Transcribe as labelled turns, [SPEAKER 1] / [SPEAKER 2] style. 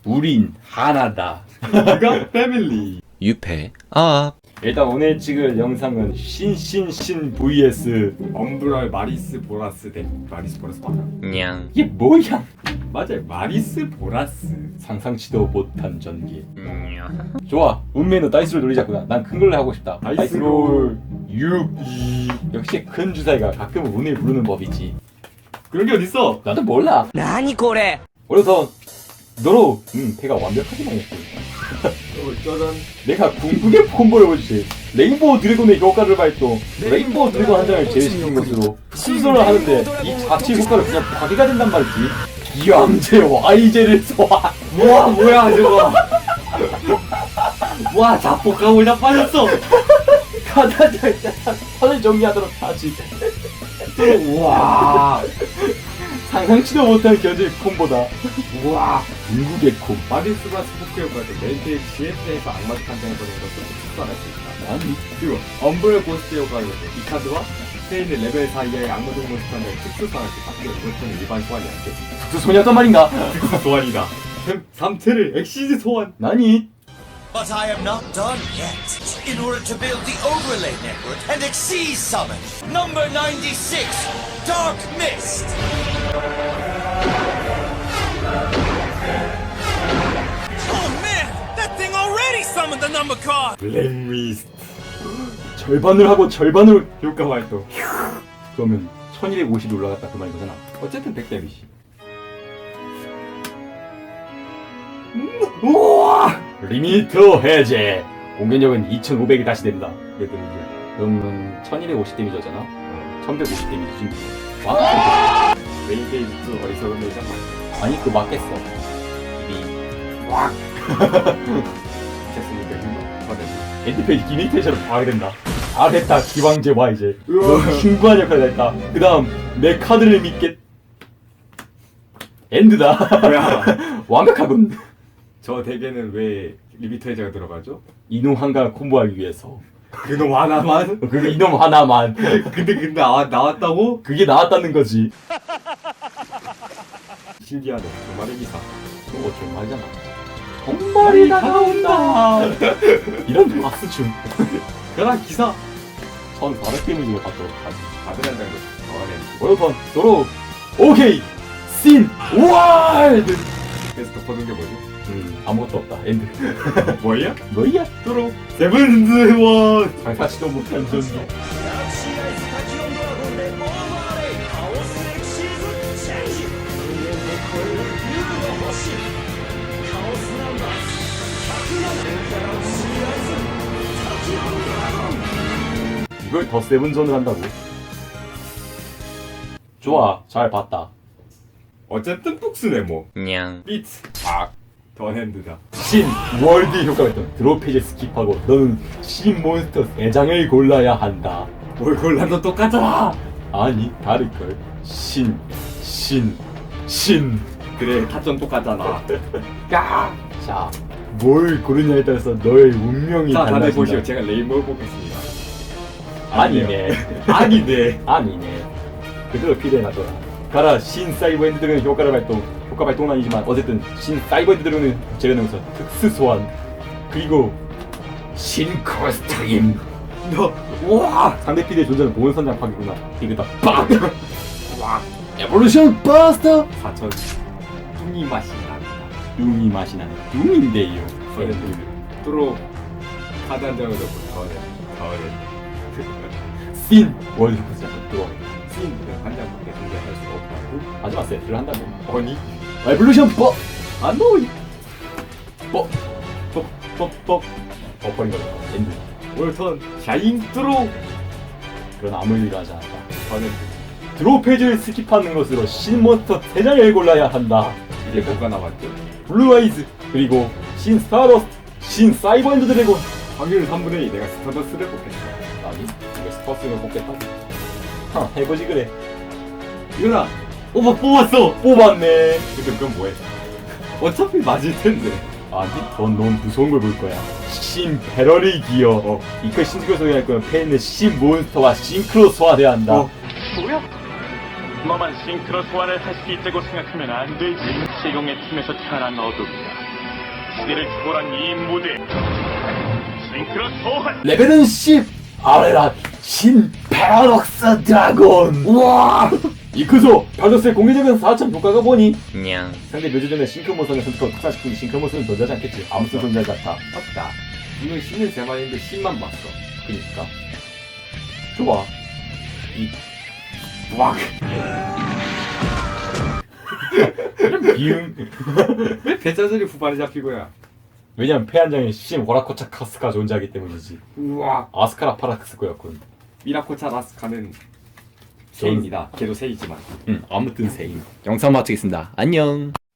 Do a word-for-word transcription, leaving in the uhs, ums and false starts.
[SPEAKER 1] 우린 하나다.
[SPEAKER 2] 우리가 패밀리.
[SPEAKER 3] 유패 아
[SPEAKER 1] 일단 오늘 찍을 영상은 신신신 vs
[SPEAKER 2] 엄브랄 마리스 보라스 대 마리스 보라스 맞아?
[SPEAKER 3] 냥
[SPEAKER 1] 이게 뭐야?
[SPEAKER 2] 맞아요. 마리스 보라스.
[SPEAKER 1] 상상치도 못한 전기.
[SPEAKER 3] 냥
[SPEAKER 1] 좋아. 운명의 다이스를 돌리자꾸나. 난 큰 걸로 하고 싶다.
[SPEAKER 2] 다이스롤.
[SPEAKER 1] 육. 역시 큰 주사위가 가끔은 운을 부르는 법이지.
[SPEAKER 2] 그런 게 어딨어?
[SPEAKER 1] 나도 몰라.
[SPEAKER 3] 나니 고래
[SPEAKER 1] 그래서 너로 음 패가 완벽하게 나왔고
[SPEAKER 2] 어, 짜잔.
[SPEAKER 1] 내가 궁극의 콤보를 보여주지. 레인보우 드래곤의 효과를 발동. 레인보우 드래곤 한 장을 제외시킨 것으로 순서를 하는데 이 자체 효과를 그냥 파괴가 된단 말이지. 기암제 와이제를 소화.
[SPEAKER 2] 우와 뭐야 저거. 와 자폭하고 다 빠졌어.
[SPEAKER 1] 가다자 선을 정리하도록 하지.
[SPEAKER 2] 우와.
[SPEAKER 1] 상상치도 못한 견제 콤보다.
[SPEAKER 2] 우와.
[SPEAKER 1] 궁극의 콤.
[SPEAKER 2] 마리스 보라스 포크 효과를 멘트의 지에프에서 악마적 한장을 보내는 것을 특수화할 수 있다.
[SPEAKER 1] 아니
[SPEAKER 2] 그리고 엄브렐 고스트 효과를 이 카드와 스페인의 레벨 사 이하의 악마적 몬스터 한 장을 특수화할 수 있다. 이것은 일반 소환이 안 돼.
[SPEAKER 1] 특수 소녀단 말인가?
[SPEAKER 2] 특수 소환이다. 삼 체를 엑시즈 소환.
[SPEAKER 1] 나니
[SPEAKER 4] But I am not done yet. In order to build the overlay network and exceed summon, number ninety-six, Dark Mist.
[SPEAKER 5] Oh man, that thing already summoned the number card!
[SPEAKER 2] 블랙리스트.
[SPEAKER 1] 절반을 하고 절반을
[SPEAKER 2] 효과 활동.
[SPEAKER 1] 그러면 천이백오십이 올라갔다 그 말인 거잖아.
[SPEAKER 2] 어쨌든 백 데미지.
[SPEAKER 1] 우와! 리미트 해제. 공격력은 이천오백이 다시 됩니다.
[SPEAKER 2] 몇 데미지?
[SPEAKER 1] 그러면 천이백오십 데미지잖아.
[SPEAKER 2] 어.
[SPEAKER 1] 천백오십 데미지지. 와!
[SPEAKER 2] 메인 게이지 또 어리석은 내장 맞.
[SPEAKER 1] 아니 그거 맞겠어. 이 와!
[SPEAKER 2] 됐으니까 이거 받아.
[SPEAKER 1] 엔드페이지 기미테이션으로 파괴된다. 잘했다 기왕제 와 이제. 너 흉부한 역할을 했다. 그 다음 내 카드를 믿겠. 엔드다.
[SPEAKER 2] 뭐야?
[SPEAKER 1] 완벽하군.
[SPEAKER 2] 저 덱에는 왜 리미트 해제가 들어가죠?
[SPEAKER 1] 이놈 한가 콤보하기 위해서.
[SPEAKER 2] 그놈 하나만?
[SPEAKER 1] 그 이놈 하나만.
[SPEAKER 2] 근데 근데 아, 나왔다고?
[SPEAKER 1] 그게 나왔다는 거지.
[SPEAKER 2] 신기하네. 정말의 기사.
[SPEAKER 1] 그거 정말이잖아. 정말이 다가온다. 이런 박수춤.
[SPEAKER 2] 그랑 기사.
[SPEAKER 1] 천사백 데미지를 받도록 하지.
[SPEAKER 2] 다들 한다는 거지. 어,
[SPEAKER 1] 월번 도로 오케이 씬 월드.
[SPEAKER 2] 그래서 덮어둔 게 뭐지?
[SPEAKER 1] 음 아무것도 없다 엔드.
[SPEAKER 2] 뭐야?
[SPEAKER 1] 뭐야?
[SPEAKER 2] 또로 세븐스 원.
[SPEAKER 1] 상사치도 못한 전기. 이걸 더 세븐존을 한다고? 좋아, 잘 봤다.
[SPEAKER 2] 어쨌든 북스네 뭐.
[SPEAKER 3] 냥
[SPEAKER 2] 비트.
[SPEAKER 1] 아,
[SPEAKER 2] 더 핸드다.
[SPEAKER 1] 신 월드 효과가 있던 드롭페이지 스킵하고 너는 신 몬스터 세 장을 골라야 한다.
[SPEAKER 2] 뭘 골라도 똑같잖아.
[SPEAKER 1] 아니, 다를걸. 신, 신, 신.
[SPEAKER 2] 그래 타점 똑같잖아.
[SPEAKER 1] 까! 자, 뭘 고르냐에 따라서 너의 운명이
[SPEAKER 2] 자 다들
[SPEAKER 1] 달라진다.
[SPEAKER 2] 보시오. 제가 레인보우 뽑겠습니다.
[SPEAKER 1] 아니네.
[SPEAKER 2] 아니네.
[SPEAKER 1] 아니네. 그대로 필요해놔둬라. 가라, 신 사이버 핸드 드래곤 효과를 발동. 효과 발동은 아니지만 어쨌든 신 사이버 핸드 드래곤을 제외하면서 특수 소환. 그리고 신 커스트림.
[SPEAKER 2] 너
[SPEAKER 1] 우와! 상대 피드의 존재는 보온 선장 파괴구나. 이거다 빡! 와! 에볼루션 버스터!
[SPEAKER 2] 사천 뚱이 맛이 납니다.
[SPEAKER 1] 뚱이 맛이 나는 뚱인데요.
[SPEAKER 2] 저는 또로 카드 한 장을 넣고 더해 더해
[SPEAKER 1] 씬! 월드 효과 시작은 또
[SPEAKER 2] 씬한 장밖에 존재할 수가 없다고?
[SPEAKER 1] 마지막 세트를 한다면
[SPEAKER 2] 아니
[SPEAKER 1] 에볼루션 버! 안 넣어! 버! 버! 버! 버! 버퍼링 걸려. 엔드.
[SPEAKER 2] 올턴 샤인 뚜로
[SPEAKER 1] 그런 아무 일도 하지 않았다.
[SPEAKER 2] 저는
[SPEAKER 1] 드로우 페이지를 스킵하는 것으로 신 몬스터 세 장을 골라야 한다.
[SPEAKER 2] 이제 뭐가 남았죠?
[SPEAKER 1] 블루 아이즈, 그리고 신 스타러스트, 신 사이버 엔드 드래곤.
[SPEAKER 2] 확률 삼분의 이. 내가 스타더스를 뽑겠어.
[SPEAKER 1] 아니, 이거 스퍼스를 뽑겠다고. 하, 해보지 그래.
[SPEAKER 2] 이거나 오빠 뽑았어.
[SPEAKER 1] 뽑았네.
[SPEAKER 2] 근데 그건 뭐해? 어차피 맞을 텐데.
[SPEAKER 1] 아니, 넌 너무 무서운 걸 볼 거야. 신 배럴이 기어. 어, 이걸 신스크로 소개할 거면 팬은 신 몬스터와 싱크로 소화돼야 한다.
[SPEAKER 2] 어.
[SPEAKER 6] 뭐야? 너만 싱크로 소환을 할 수 있다고 생각하면 안 되지. 시공의 틈에서 태어난 어둠이다. 시대를 초월한 이 무대 싱크로 소환
[SPEAKER 1] 레벨은 십! 아래라 신 패러독스 드래곤! 우와! 이크소! 패러독스의 공개적인 사천 효과가 보니
[SPEAKER 3] 냥.
[SPEAKER 1] 상대 묘지 전에 싱크모선을 선택하고 특산시키니 싱크모선은 존재하지 않겠지. 아무튼 존재하지 않다.
[SPEAKER 2] 맞다. 이건 신은 세 마리인데 신만 봤어.
[SPEAKER 1] 그니까 좋아. 이 왁! 비응.
[SPEAKER 2] 왜 배짜들이 후반에 잡히고야?
[SPEAKER 1] 왜냐면 패한장에 신 워라코차카스가 존재하기 때문이지.
[SPEAKER 2] 우와.
[SPEAKER 1] 아스카라 파라크스코였군.
[SPEAKER 2] 미라코차 라스카는 세입니다. 걔도 세이지만.
[SPEAKER 1] 응, 아무튼 세임.
[SPEAKER 3] 영상 마치겠습니다. 안녕.